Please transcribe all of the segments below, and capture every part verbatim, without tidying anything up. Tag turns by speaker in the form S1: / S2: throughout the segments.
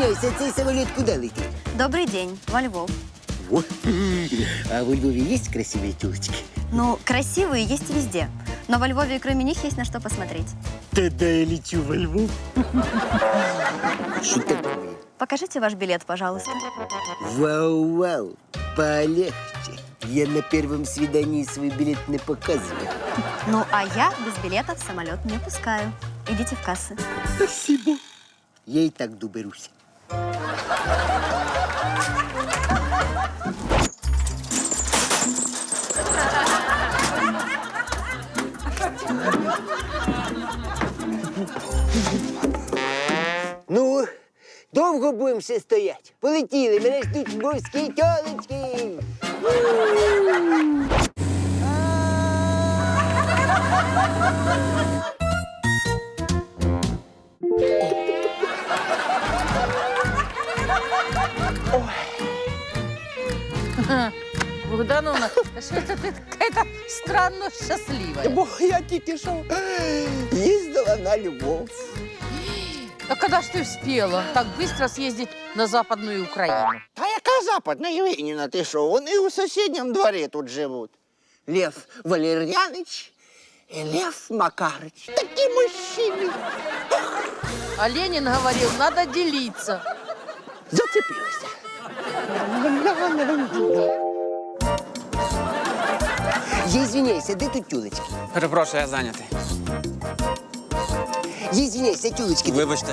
S1: Извиняйся, цей самоліт куди летить?
S2: Добрый день, во Львов.
S1: Во. А во Львове есть красивые тёлочки?
S2: Ну, красивые есть везде. Но во Львове кроме них есть на что посмотреть.
S1: Тогда я лечу во Львов. Что такое?
S2: Покажите ваш билет, пожалуйста.
S1: Вау-вау, полегче. Я на первом свидании свой билет не показываю.
S2: Ну, а я без билета в самолет не пускаю. Идите в кассы.
S1: Спасибо. Я и так доберусь. Ну, довго будемо ще стояти? Полетіли, мене ждуть львовські тьолочки.
S3: Богдановна, что-то ты какая-то странно счастливая.
S1: Бо я тільки що їздила на Львов.
S3: А когда ж ты успела так быстро съездить на Западную Украину?
S4: Та яка западна Євгенівна, ти що? Вони у сусідньому дворі тут живуть. Лев Валерьяныч і Лев Макарыч. Такі мужчини.
S3: А Ленин говорил, надо делиться.
S4: Зацепилися.
S1: Я извиняюсь, а де тут тюлечки?
S5: Перепрошую, я зайнятий.
S1: Я извиняюсь, а тюлечки?
S5: Вибачте.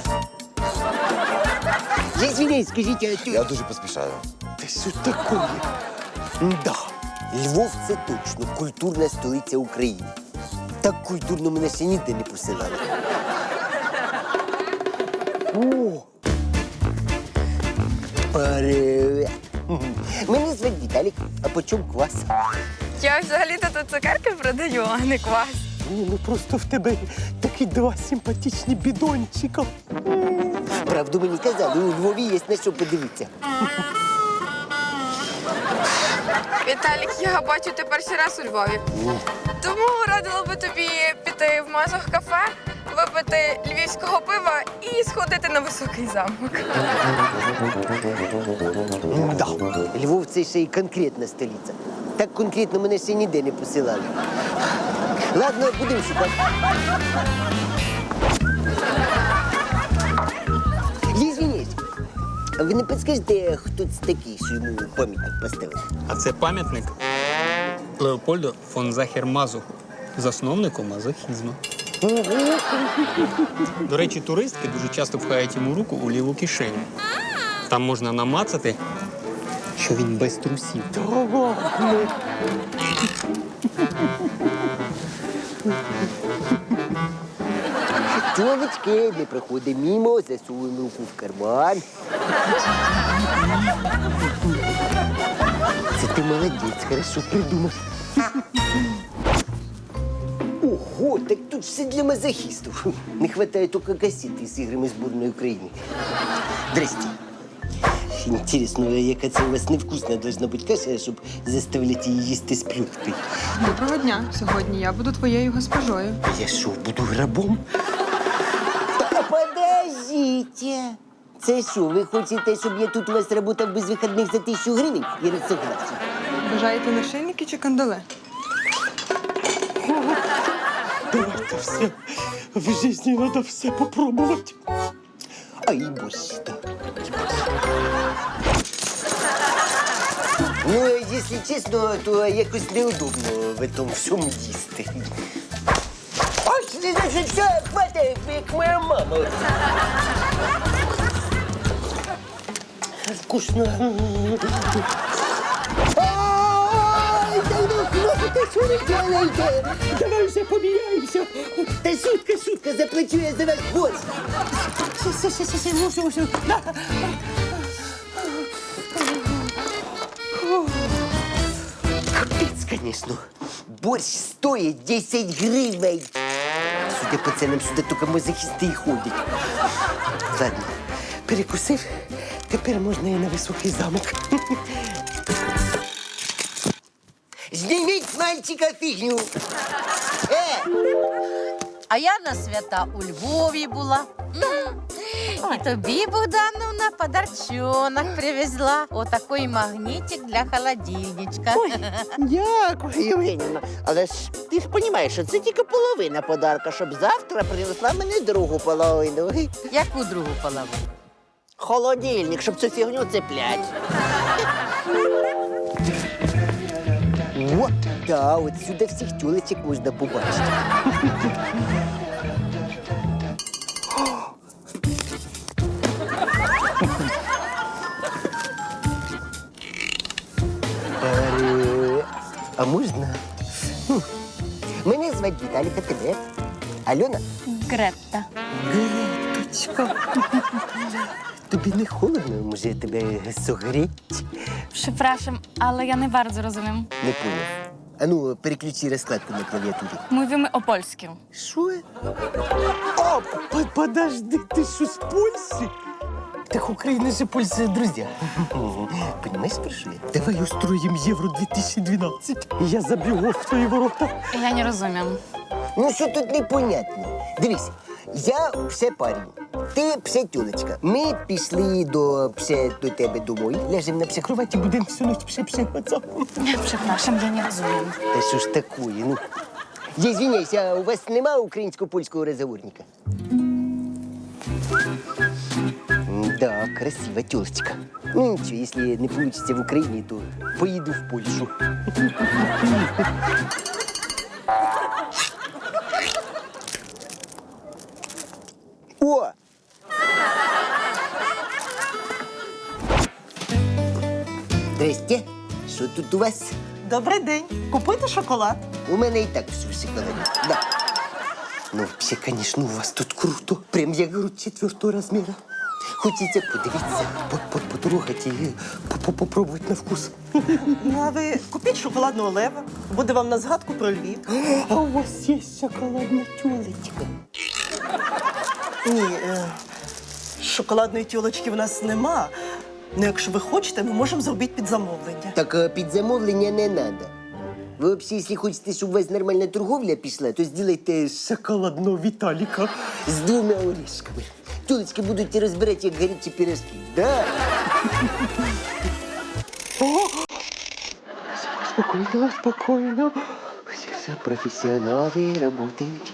S1: Я извиняюсь, скажіть, а тюлечки?
S6: Я дуже поспішаю.
S1: Та що такое? Да. Львов – це точно культурна столиця України. Так культурно мене ще ніде не посилали. О! Привет! Мене звати Віталік, а по чому квас?
S7: Я взагалі-то тут цукерки продаю, а не квас.
S1: Ні, ну просто в тебе такі два симпатичні бідончика. Правду мені казали, у Львові є на що подивитися.
S7: Віталік, я бачу, ти перший раз у Львові. Тому радила би тобі піти в Мазох кафе, випити львівського пива і сходити на Високий замок.
S1: Да. Львов – це ще й конкретна столиця. Так конкретно мене ще ніде не посилали. Ладно, будемо шукати. Я извиняюсь, а ви не підскажете, хто це такий, що йому пам'ятник поставили?
S5: А це пам'ятник Леопольду фон Захер-Мазуху, засновнику мазохізму. До речі, туристки дуже часто пхають йому руку у ліву кишеню. Там можна намацати, що він без трусів.
S1: Тьолочки, не проходимо мимо, засовуємо руку в карман. Це ти молодець, хорошо придумав. Ого, так тут все для мазохистов. Не хватает только кассеты с играми сборной Украины. Здрасте. Интересно, яка це у вас невкусна должна бути каша, щоб заставляти її їсти з плюткою?
S8: Доброго дня. Сьогодні я буду твоєю госпожою.
S1: Я що, буду грабом? Та подождите. Це що, ви хочете, щоб я тут у вас працював без вихідних за тисячу гривень? Я не согласен.
S8: Бажаєте нашийники чи кандале?
S1: Давайте все. В житті треба все попробувати. А і борщ, так. Ну, якщо чесно, то якось неудобно в этом всьому їсти. Ось, ти значить, все, хватає, як моя мама. Вкусно. Ай, да ну хватит, що ви делаете? Давай вже поміняємося. Та шутка, шутка, заплачу я за ваш борщ. Все, все, все, все, мушу, мушу. Капец, конечно. Борщ стоит десять гривен. Судя по ценам, сюда только мазохисты и ходят. Ладно, перекусив, тепер можна і на Високий замок. Зніміть з мальчика фігню. Е!
S3: А я на свята у Львові була. М. І тобі, Богдановна, подарчонок привезла. Отакий магнітик для холодильничка.
S4: Дякую, Євгенівна. Але ж ти ж розумієш, що це тільки половина подарка, щоб завтра принесла мені другу половину.
S3: Яку другу половину?
S4: Холодильник, щоб цю фігню цеплять.
S1: О, да, от сюди всіх тюлечок можна побачити. Е, А можна? Хм. Мене звати Віталік, а тебе? Альона?
S2: Гретта.
S1: Греточка. Тобі не холодно, може тебе согріть?
S2: Przepraszam, ale ja nie bardzo rozumiem.
S1: Не поняв. А ну, переключи розкладку на клавіатурі.
S2: Mówimy o polskim.
S1: Що? А, по- подожди, ти що, з Польщі? Так Україна же Польща, друзі. Понимаєш, про що я? Давай устроїм Євро дві тисячі дванадцять. І я забігу в твої ворота.
S2: Ja nie rozumiem.
S1: Ну, що тут непонятно? Дивись, я псе парень, ти псе тюлечка. Ми пішли до псе до тебе домой, ляжемо на псе кроваті, будемо всю ніч псе-псе пацан.
S2: Przepraszam, ja nie rozumiem.
S1: Та що ж такое, ну? Я извиняюсь, а у вас нема українсько-польського розговорника? Да, красива тёлочка. Ну ничего, если не получится в Украине, то поеду в Польшу. О! Здрасте. Що тут у вас?
S6: Добрий день. Купуйте шоколад.
S1: У мене і так все в шоколаді. Да. Ну, вообще, конечно, у вас тут круто. Прям, я говорю, четвертого размера. Хочете подивитися, по- по- потрогати і по- по- попробувати на вкус?
S6: Ну, а ви купіть шоколадного лева. Буде вам на згадку про Львів.
S1: А у вас є шоколадна тюлечка?
S6: Ні, е, шоколадної тілочки в нас нема. Ну, якщо ви хочете, ми можемо зробити під замовлення.
S1: Так а, під замовлення не треба. Ви взагалі, якщо хочете, щоб у вас нормальна торговля пішла, то зробите шоколадного Віталіка з двома орешками. Тюлечки будуть розбирати, як гарячі пирожки. Да. Спокійно, спокійно. Все професіонали працюють.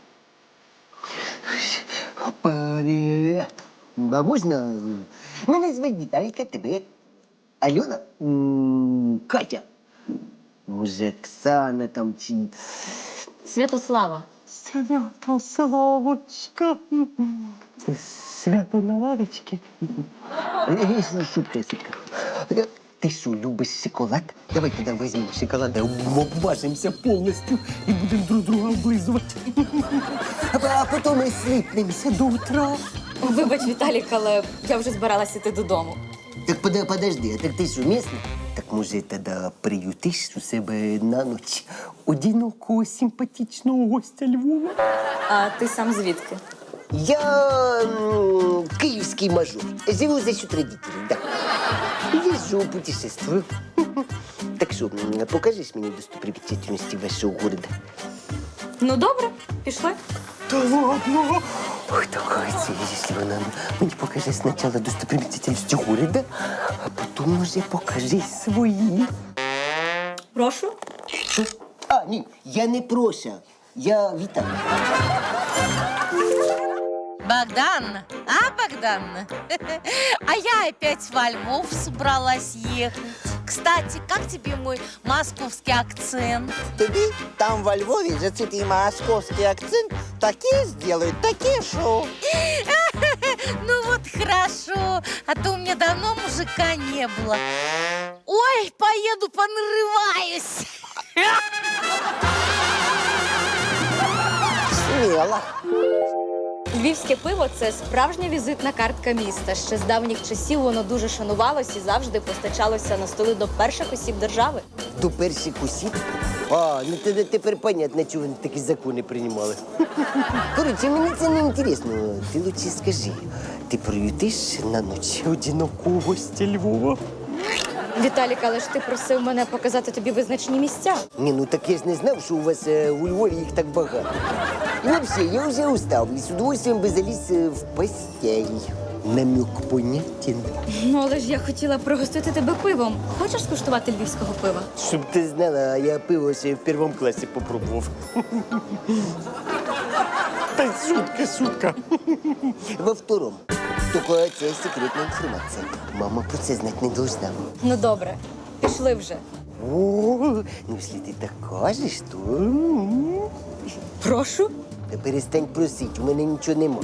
S1: Опа, а можна? Мене звати Віталіка, тебе. Альона? М, Катя. Може, Оксана там чи...
S2: Святослава.
S1: Святославочка. Свято на лавочці. Шутка, шутка. Ти що, любиш шоколад? Давай тоді візьмемо шоколад, обважимося повністю і будемо друг друга облизувати. А потім ми сліпнемося до утра.
S2: Вибач, Віталік, але я вже збиралася йти додому.
S1: Так пода- подожди, а так ти що, місний? Так може тоді приютиш у себе на ніч одинокого симпатичного гостя Львова?
S2: А ти сам звідки?
S1: Я м, киевский мажор. Живу за счет родителей, да. Езжу, путешествую. Так что, м, покажешь мне достопримечательности вашего города?
S2: Ну, добре, пішли.
S1: Да ладно? Ой, такая цель, если она мне покажи сначала достопримечательности города, а потом уже покажи свои.
S2: Прошу.
S1: Что? А, нет, я не Проша, я Виталий.
S3: Богдан, а, Богдан? А я опять во Львов собралась ехать. Кстати, как тебе мой московский акцент?
S4: Тобі там во Львові за цей твій московський акцент таке зроблять, таке шоу.
S3: Ну вот хорошо, а то у меня давно мужика не было. Ой, поеду понарываюсь.
S4: Сміло.
S2: Львівське пиво – це справжня візитна картка міста. Ще з давніх часів воно дуже шанувалось і завжди постачалося на столи до перших осіб держави.
S1: До перших осіб? А, ну тоді тепер понятно, чого вони такі закони приймали. Коротше, мені це не інтересно. Ти лучше скажи, ти приютиш на ніч одинокого гостя Львова?
S2: Віталік, але ж ти просив мене показати тобі визначні місця.
S1: Ні, ну так я ж не знав, що у вас е, у Львові їх так багато. И вообще, я уже устал и с удовольствием бы залез э, в постель. Намек понятен.
S2: Ну, але ж я хотіла пригостити тебе пивом. Хочеш скуштувати львівського пива?
S1: Щоб ти знала, я пиво ще в першому класі попробував.
S5: Та шутка, шутка.
S1: Во втором. Тільки це секретна інформація. Мама про це знати не должна.
S2: Ну добре, пішли вже.
S1: О, ну якщо ти так кажеш, то... м,
S2: Прошу.
S1: Та перестань просити, у мене нічого нема.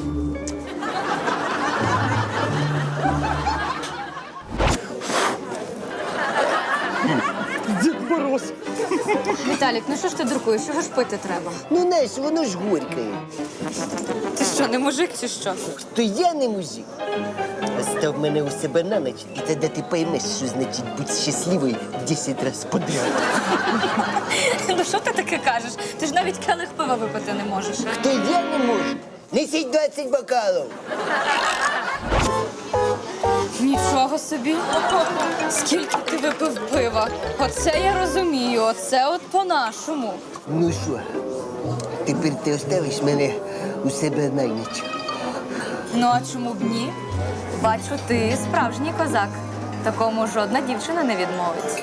S5: Дід Мороз.
S2: Віталік, ну що ж ти дуркуєш? Чого ж пити треба?
S1: Ну, знаєш, воно ж горькає.
S2: Ти що, не мужик чи що?
S1: То я не мужик. Став мене у себе на ніч, і тоді ти поймеш, що значить бути щасливою десять разів подряд.
S2: Ну що ти таке кажеш? Ти ж навіть келих пива випити не можеш.
S1: То я не можу. Несіть двадцять бокалів.
S2: Нічого собі. Скільки ти випив пива? Оце я розумію, оце от по-нашому.
S1: Ну що, тепер ти оставиш мене у себе на ніч.
S2: Ну а чому б ні? Бачу, ти справжній козак. Такому жодна дівчина не відмовить.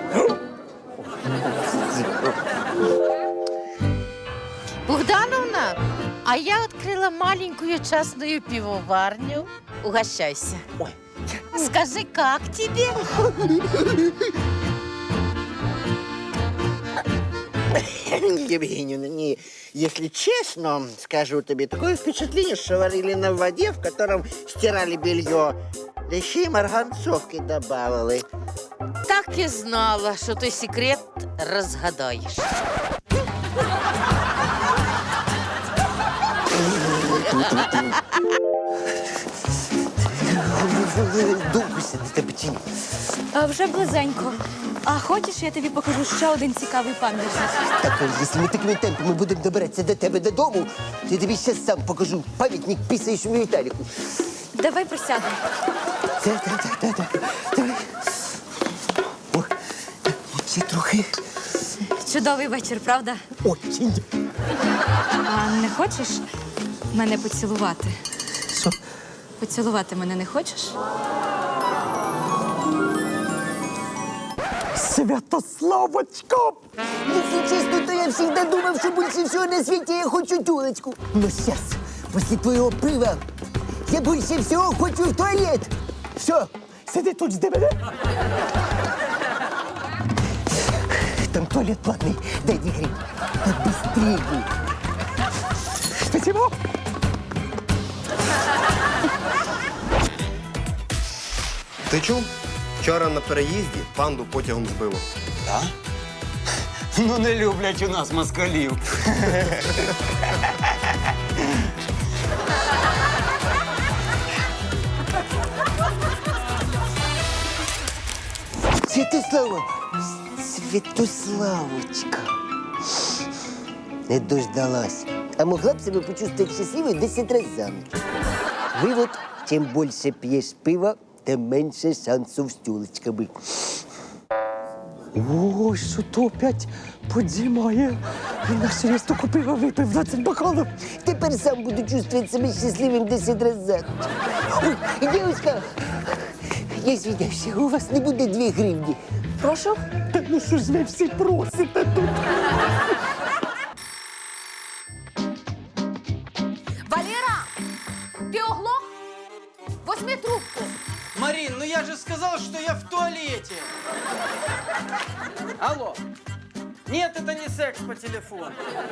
S3: Богдановна, а я открыла маленькую частную пивоварню. Угощайся. Скажи, как тебе?
S4: Евгеньевна, не, если честно, скажу тебе, такое впечатление, что варили на воде, в котором стирали белье. Да еще и марганцовки добавили.
S3: Так и знала, что ты секрет разгадаешь.
S1: Довго ще до тебе чи ні?
S2: А вже близенько. А хочеш, я тобі покажу ще один цікавий пам'ятник?
S1: Так, а якщо ми такими темпами будемо добиратися до тебе додому, то я тобі зараз сам покажу пам'ятник пісаючому Віталіку.
S2: Давай присядемо.
S1: Так, так, так, так, так. Давай. О, ще трохи.
S2: Чудовий вечір, правда?
S1: Очень.
S2: А не хочеш мене поцілувати?
S1: Що?
S2: Поцілувати мене не хочеш?
S1: Святославочка! Если честно, то я всегда думал, что больше всего на свете я хочу тёлочку. Но сейчас, после твоего пива, я больше всего хочу в туалет. Все, сиди тут, жди мене. Там туалет платный, дай две гривны. Да быстрее. Спасибо.
S9: Ти чув? Вчора на переїзді панду потягом збило.
S5: Так? Ну не люблять у нас москалів.
S1: Святослава, Святославочка. Не дождалась. А могла б себе почувствовать счастливой десять раз за ночь. Вывод, чем больше пьешь пива, тем меньше шансов с тёлочками.
S6: О, що то опять подзімає. Він наш різко купив, а випив двадцять бокалів.
S1: Теперь сам буду чувствовать себя счастливым десять раз за ночь. Ой, девочка, я извиняюсь, у вас не будет две гривни.
S2: Прошу.
S6: Та ну що ж ви всі просите тут?
S3: Валера, ты оглох? Возьми трубку.
S10: Марин, ну я же сказал, что я в туалете. Алло. Нет, это не секс по телефону.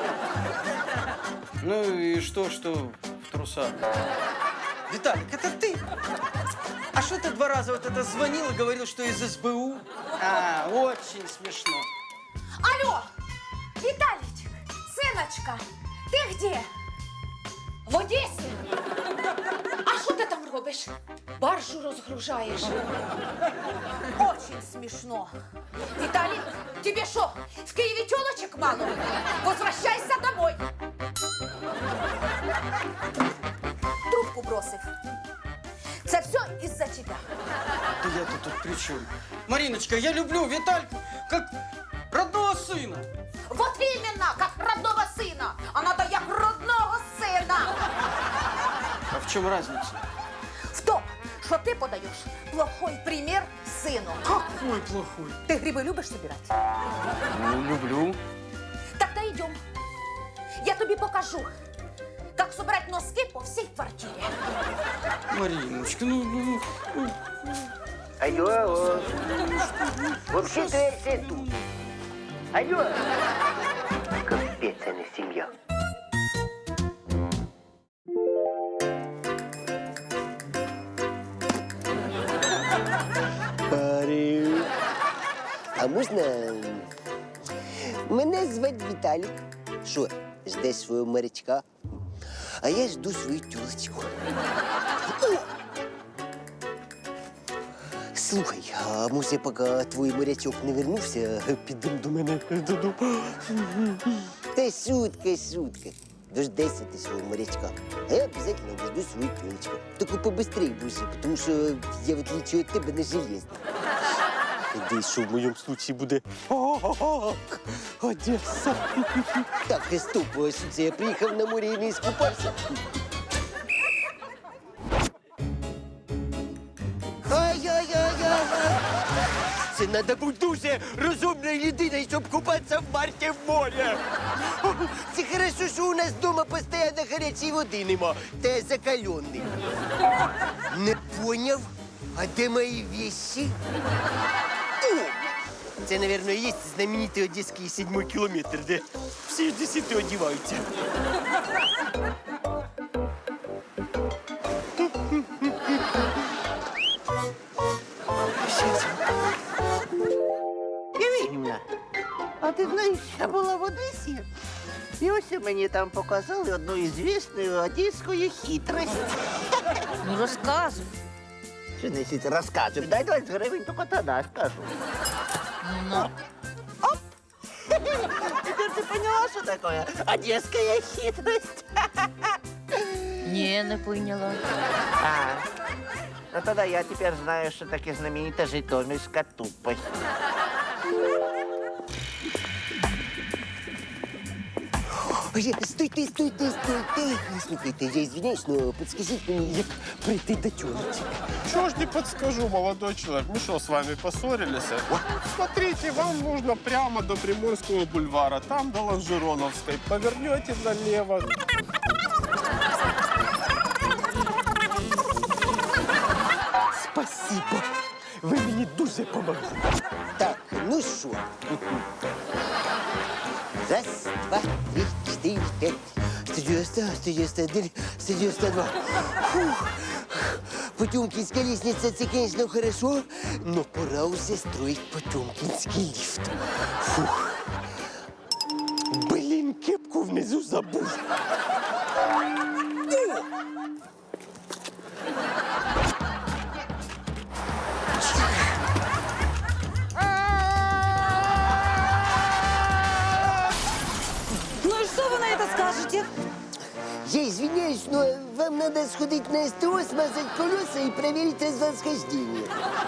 S10: Ну и что, что в трусах? Виталик, это ты? А что ты два раза вот это звонил и говорил, что из эс бэ у? А, очень смешно.
S3: Алло, Виталичек, сыночка, ты где? В Одесі? А що ти там робиш? Баржу розгружаєш. Очень смішно. Віталій, тебе що, в Києві тёлочек мало? Возвращайся домой. Трубку бросив. Це все із-за тебе.
S10: Да я-то тут при чем? Мариночка, я люблю Витальку как родного сына.
S3: Вот именно, как родного сына. А надо як родного.
S10: В чем разница?
S3: В том, что ты подаешь плохой пример сыну.
S10: Какой плохой?
S3: Ты грибы любишь собирать?
S10: Ну, люблю.
S3: Тогда идем. Я тебе покажу, как собрать носки по всей квартире.
S10: Мариночка, ну, ну, ну.
S1: Алло, алло. Вообще-то я все тут. Алло. Капец, а не семья. Пари. А можна? Мене звати Віталік. Що, ждеш свого морячка? А я жду свою тюлечку. О! Слухай, а може, поки твій морячок не вернувся, підемо до мене додому? Та шутка, шутка. Дождайся ти свого морячка. А я обов'язково дожду свою тюлечку. Тільки побыстрее, боже, тому що я, в отличие від тебе, не железна. Іди, що в моєму случаї буде Одеса. Так, стоп, а що це я приїхав на море і не іскупався? Ай-яй-яй-яй! Це треба бути дуже розумною людиною, щоб купатися в марті в морі. Це хорошо, що у нас вдома постійно гарячої води нема, та я закалений. Не поняв? А де мої вещи? О! Це, мабуть, і є знаменитий одеський седьмой кілометр, де всі одесити одягаються.
S4: Євгенівна, а ти знаєш, я була в Одесі, і ось мені там показали одну ізвісну одеську хитрость.
S3: Ну, рассказывай.
S4: Що значить розказуй? Дай двадцять гривень, тільки тоді скажу.
S3: Ну,
S4: Оп! Теперь ты поняла, что такое одесская хитрость?
S3: не, не поняла.
S4: А, ну тогда я теперь знаю, что таки знаменитая житомирская тупость.
S1: Я- Стойте, стойте, стойте. Слухайте, я извиняюсь, но подскажіть мені, як прийти до тюлечки.
S11: Чего ж не подскажу, молодой человек. Мы что, с вами поссорились? Смотрите, вам нужно прямо до Приморского бульвара, там до Лонжероновской. Повернете налево.
S1: Спасибо. Ви мені дуже помогли. Так, ну що? Раз, два, три, чотири, п'ять. сто девяносто, сто девяносто один, сто девяносто два. Фух. Потемкинская лестница, це, конечно, хорошо, но пора уже строить Потемкинский лифт. Фух. Блин, кепку внизу забув.
S3: Ну и что вы на это скажете?
S1: Я извиняюсь, но вам надо сходить на СТО, смазать колеса и проверить развосхождение.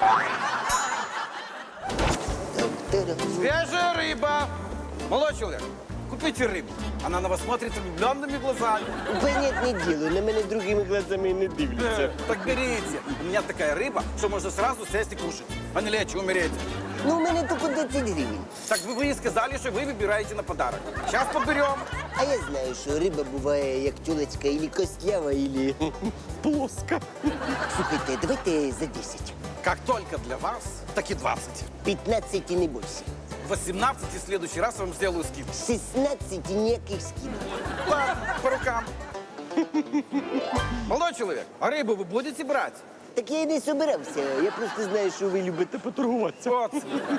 S12: Свежая рыба! Молодой человек, купите рыбу. Она на вас смотрит влюбленными глазами.
S1: Понятное дело, на меня другими глазами не дивляться.
S12: Э, Так берите. У меня такая рыба, что можно сразу сесть и кушать, а не лечь и умереть.
S1: Ну, у меня только двадцать гривен.
S12: Так вы бы и сказали, что вы выбираете на подарок. Сейчас поберем.
S1: А я знаю, що риба буває як тюлечка, или костлява, или плоска. Слухайте, давайте за десять.
S12: Как только для вас, так и двадцать.
S1: пятнадцать и не больше.
S12: восемнадцать, и в следующий раз я вам сделаю скидку.
S1: шестнадцать и никаких скидок.
S12: Ладно, по рукам. Молодой человек, а рыбу вы будете брать?
S1: Так я і не собирався, я просто знаю, що ви любите поторгуватися.
S12: Вот.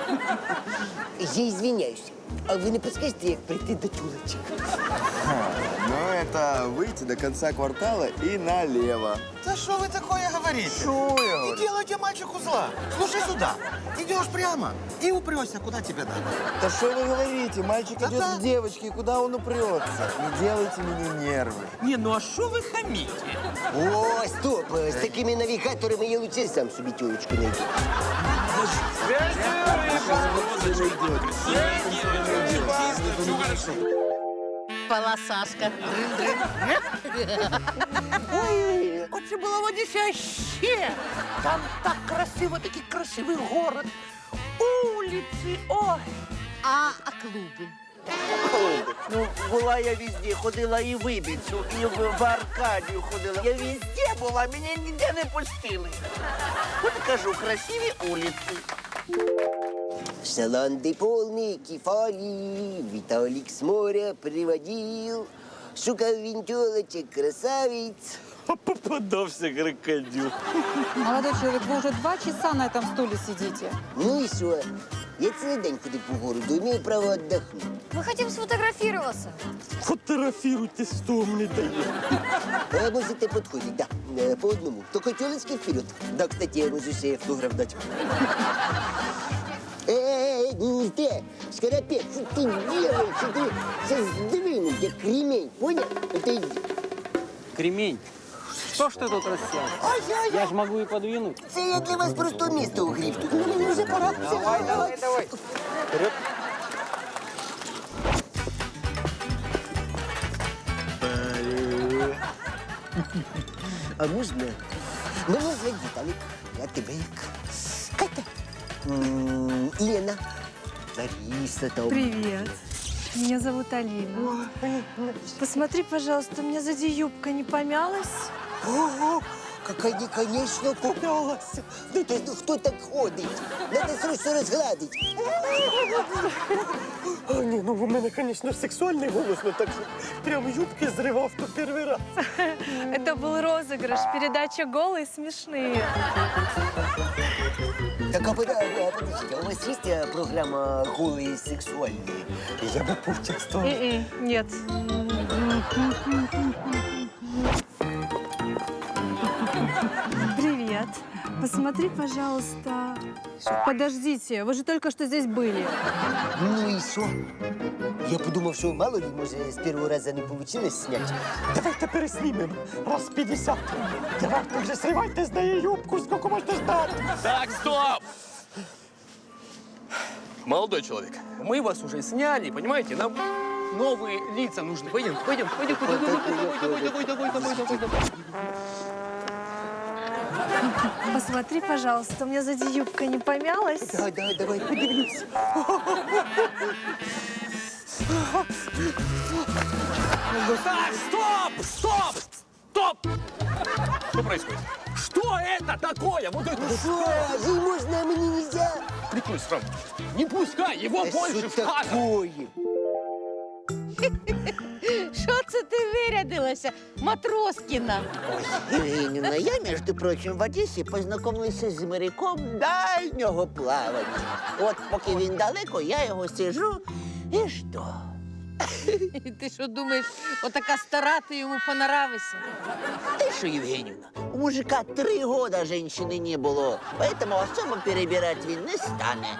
S1: Я извиняюсь, а ви не підскажете, як прийти до тюлечок?
S9: Ну, это выйти до конца квартала и налево.
S10: Да что вы такое говорите?
S9: Что я говорю?
S10: Не делайте мальчику зла. Слушай сюда. Идешь прямо и упрешься, куда тебе надо.
S9: Да что вы говорите? Мальчик идет
S10: Да-да.
S9: к девочке, куда он упрется? Не делайте мне нервы.
S10: Не, ну а что вы хамите?
S1: О, стоп! З такими навігаторами я лучше сам собі тюлечку знайду.
S12: Свежая рыба.
S3: спала Сашка.
S4: Ой, оце було водіся ще. Там так красиво, такий красивий город. Улиці, ой.
S3: А, а клуби?
S4: Ну, була я везде, ходила і в Ібіцю, і в, в Аркадію ходила. Я везде була, мене ніде не пустили. От кажу, красиві вулиці.
S1: Шаланды полные кефали, Виталик с моря приводил, шукал винтелочек, красавиц.
S13: А попадався крокодил.
S8: Молодой человек, вы уже два часа на этом стуле сидите.
S1: Ну и что? Я целый день ходил по городу, имею право отдохнуть.
S2: Мы хотим сфотографироваться.
S13: Фотографируйтесь, что мне дает.
S1: А можете подходить, да, э, по одному. Только телочки вперед. Да, кстати, я могу себе автограф дать. Эй, не ты, Скоропец, что ты делаешь? Что ты сейчас сдвинул, я кремень, понял? Это иди.
S10: Кремень. Что ж ты тут рассел? Я ж могу и подвинуть.
S1: Це я для вас просто місто угрів. Тут мені вже пора.
S10: Давай, давай, давай.
S1: Вперед. А можна? Мене звати Віталік. Я тебе як? Катя. М, Лена. Лариса там.
S14: Привет. Меня зовут Алина. Посмотри, пожалуйста, у меня сзади юбка не помялась?
S1: Ого, как они, конечно, помялась. Ну, то есть, кто так ходит? Надо срочно разгладить.
S13: А, ні, ну у мене, звісно, сексуальний голос, ну так прям юбки зривав то перший раз.
S14: Это был розыгрыш, передача «Голые смешные».
S1: Так, а пода- а, подождите, а у вас есть э, программа «Голые сексуальные»?
S13: Я би поучаствував.
S14: М-м, Нет. Привет. Посмотри, пожалуйста. Подождите, вы же только что здесь были.
S1: Ну и что? Я подумав, що мало ли, може, з першого разу не вийшло зняти.
S13: Давайте переснімемо. Раз п'ятдесят. Давайте вже сривайте з неї юбку, скільки можна ждати.
S12: Так, стоп! Молодой человек, мы вас уже сняли, понимаете? Нам новые лица нужны. Пойдем, пойдем, пойдем, пойдем, давай, давай, давай, давай, давай, давай, давай.
S14: Посмотри, пожалуйста, у меня сзади юбка не помялась?
S1: Да, да, давай подивлюсь.
S12: Так, стоп, стоп, стоп! Что происходит? Что это такое? Вот это вот.
S1: Що? Ей можна, а мені нельзя?
S12: Прикрой сразу. Не пускай, его больше в кадр.
S1: такое?
S3: Що це ти вирядилася, Матроскіна?
S4: Євгенівна, я, між прочим, в Одесі познайомилася з моряком дальнього плавання. От поки він далеко, я його сижу і жду.
S3: Ти що думаєш, отака стара, ти йому понравишся?
S4: Ти що, Євгенівна, у мужика три года женщини не було, поэтому особо перебирати він не стане.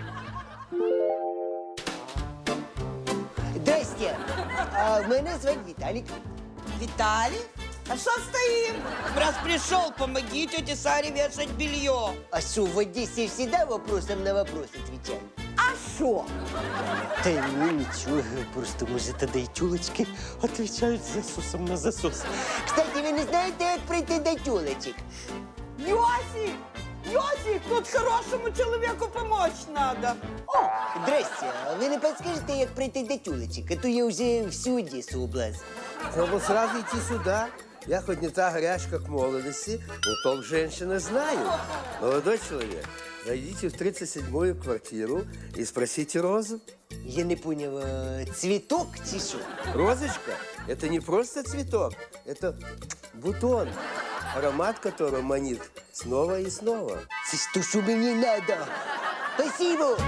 S1: Здрасте. А мене звати Віталік.
S15: Виталий? А что стоим? Раз пришел, помоги тете Саре вешать белье.
S1: А що, в Одесі всегда вопросом на вопрос отвечаю?
S15: А что?
S1: Та ну нічого, просто може тоді й тюлечки
S13: Отвечають засосом на засос.
S1: Кстати, ви не знаєте, як прийти до тюлечек?
S15: Йосик! Йосик, тут хорошему человеку помочь надо.
S1: О, здрасте, а ви не підскажете, як прийти до тюлечек? А то я вже всю Одесу облазив.
S16: Треба сразу идти сюда. Я хоть не та горячка, как в молодости, но толк женщины знаю. Молодой человек, зайдите в тридцать седьмую квартиру и спросите Розу.
S1: Я не понял, а цветок чи що?
S16: Розочка – это не просто цветок, это бутон, аромат которого манит снова и снова.
S1: Це ж то, що мені надо. Спасибо.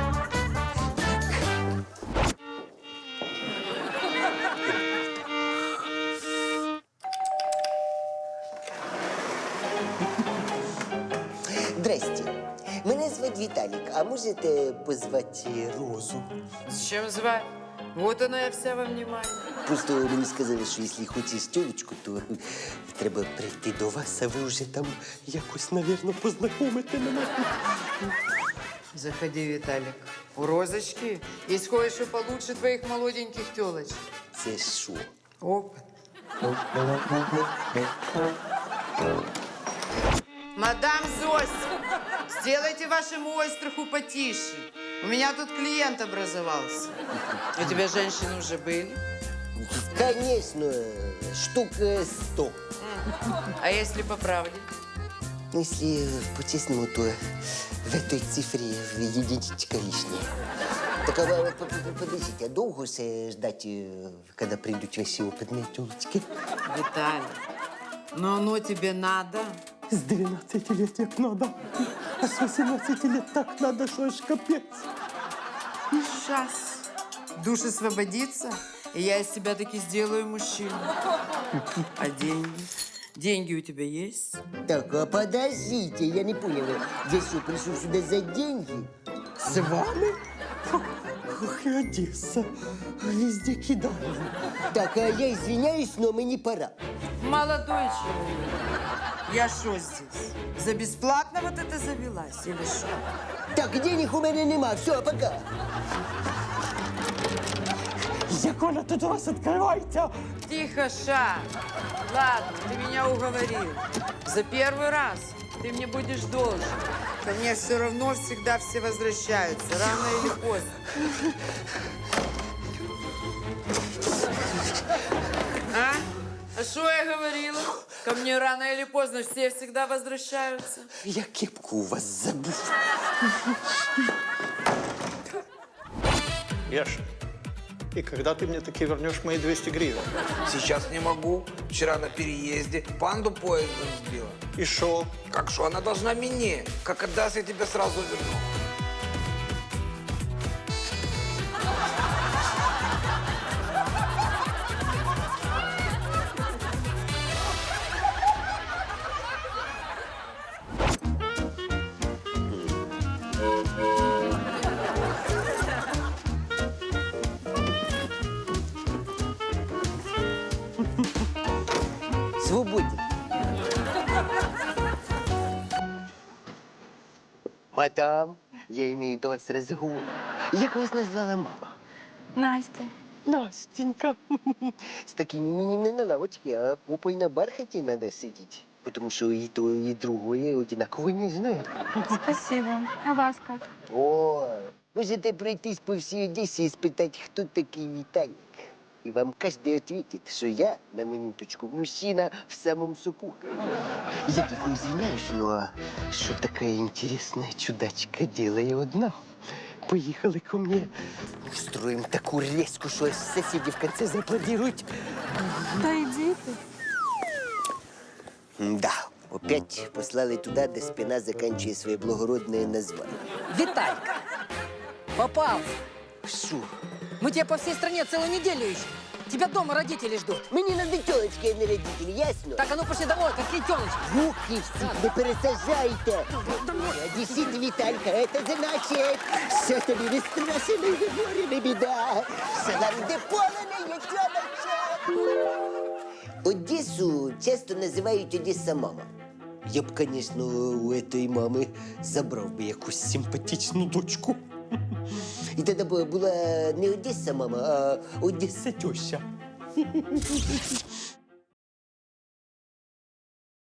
S1: Здрасте. Мене звати Віталік, а можете позвати Розу?
S15: Зачем звать? Вот она я вся во внимании.
S1: Просто мені сказали, що якщо хочеш тюлечку, то треба прийти до вас, а ви вже там якось, навірно, познайомите мене.
S15: Заходи, Виталик. У Розочки есть кое-что получше твоих молоденьких телочек.
S1: це що?
S15: Опыт. Мадам Зось, сделайте вашему ойстраху потише. У меня тут клиент образовался. У тебя женщины уже были?
S1: Конечно, штук э, сто.
S15: А если по правде?
S1: Если по-честному, то в этой цифре единичка лишняя. Так, а вы п- п- подождите, а долго же ждать, э, когда придут ваши опытные тёлочки?
S15: Виталий, но оно тебе надо?
S13: С двенадцати лет як надо. А с восемнадцати лет так надо, что аж капец.
S15: Сейчас. Душ освободится, и я из тебя таки сделаю мужчину. А деньги? Деньги у тебя есть?
S1: Так, а подождите, я не понял, я что, пришел сюда за деньги?
S13: С вами? Ох, и Одесса. Везде кидали.
S1: Так, а я извиняюсь, но мне пора.
S15: Молодой человек, я что здесь? За бесплатно вот это завелась или что?
S1: Так, денег у меня нема, все, пока.
S13: Яколя, тут у вас открывайте.
S15: Тихо, Ша. Ладно, ты меня уговорил. За первый раз ты мне будешь должен. Ко мне все равно всегда все возвращаются, рано или поздно. А? А что я говорила? Ко мне рано или поздно все всегда возвращаются.
S1: Я кепку у вас забыл.
S10: Яша, и когда ты мне таки вернешь мои двести гривен?
S17: Сейчас не могу. Вчера на переезде панду поездом сбила.
S10: И шо?
S17: Как шо? Она должна мне. Как отдаст, я тебе сразу верну.
S1: Свободен. Мадам, я имею до вас разговор. Як вас назвала мама?
S14: Настя.
S1: Настенька. С такими мне не на лавочке, а попой на бархате надо сидеть. Потому что и то, и другое одинаково не знаю.
S14: Спасибо. А вас как?
S1: О, можете пройтись по всей Одессе и спитать, кто такой Виталик. И вам каждый ответит, что я, на минуточку, мужчина в самом соку. Я тут не извиняюсь, но что такая интересная чудачка делает одна? Поехали ко мне. Устроим такую резку, что аж соседи в конце зааплодируют.
S14: Да иди ты.
S1: Да, опять послали туда, где спина заканчивает свое благородное название.
S18: Виталька, попался.
S1: Что?
S18: Мы тебя по всей стране целую неделю ищем. Тебя дома родители ждут.
S1: Мне надо тёлочки, а не родители, ясно?
S18: Так, а ну пошли домой, какие тёлочки?
S1: Руки всех не пересажайте. Одессит Виталька, это значит, все тобі не страшно і не горе, не біда. Все нам де поле тёлочек. Одессу часто називають Одесса мама. Я б, конечно, у этой мами забрав би якусь симпатичну дочку. І тоді б була не Одесса мама, а Одесса теща.